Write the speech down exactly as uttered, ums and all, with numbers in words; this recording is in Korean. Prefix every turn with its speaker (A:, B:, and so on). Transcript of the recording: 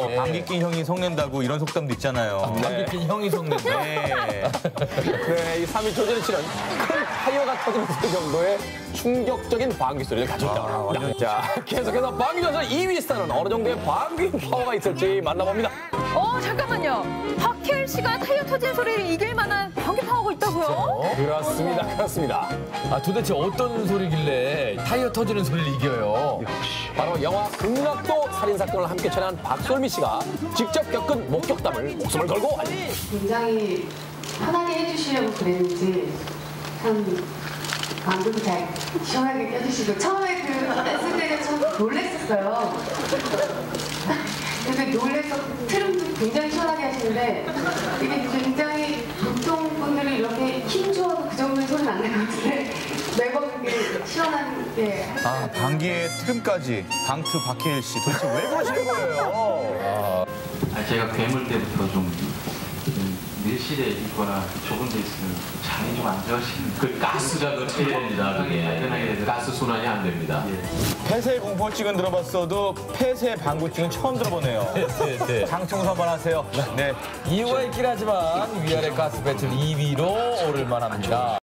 A: 네.
B: 방귀 낀 형이 속낸다고 이런 속담도 있잖아요.
A: 네. 방귀 낀 형이 속낸다.
B: 네.
C: 네, 이 삼 위 조전이 치는 큰 타이어가 터지는 소리 정도의 충격적인 방귀 소리를 가지고 있다. 아, 자, 계속해서 방귀 전선 이 위 스타는 어느 정도의 방귀 파워가 있을지 만나봅니다.
D: 어, 잠깐만요. 박해일 씨가 타이어 터진 소리를 이길 만한 방귀 파워가 있다고요?
C: 그렇습니다, 그렇습니다.
A: 아, 도대체 어떤 소리길래 타이어 터지는 소리를 이겨요?
C: 바로 영화 극락도 살인사건을 함께 촬영한 박솔미 씨가 직접 겪은 목격담을 목숨을 걸고 알립니다.
E: 굉장히 편하게 해주시려고 그랬는지 참 방금도 잘 시원하게 껴주시고 처음에 그 했을 때는 참 놀랬었어요. 근데 놀래서 트름도 굉장히 시원하게 하시는데 이게 굉장히 보통 분들이 이렇게 힘줘도 그 정도의 소리는 안 날 것 같은데 매번 이렇게 시원하게
B: 아, 방귀의 트림까지 방트 박해일 씨 도대체 왜 그러시는 거예요?
F: 아, 제가 괴물 때부터 좀, 좀 밀실에 있거나 좁은 데 있으면 잠이 좀 안 좋으시는
G: 그 가스가 터집니다. 그게 가스 순환이 안 됩니다.
B: 폐쇄 공포증은 들어봤어도 폐쇄 방구증은 처음 들어보네요.
A: 네, 네.
B: 장 청소 한번 하세요. 네.
A: 이유가 있긴 하지만 위아래 가스 배출 이 위로 오를 만합니다.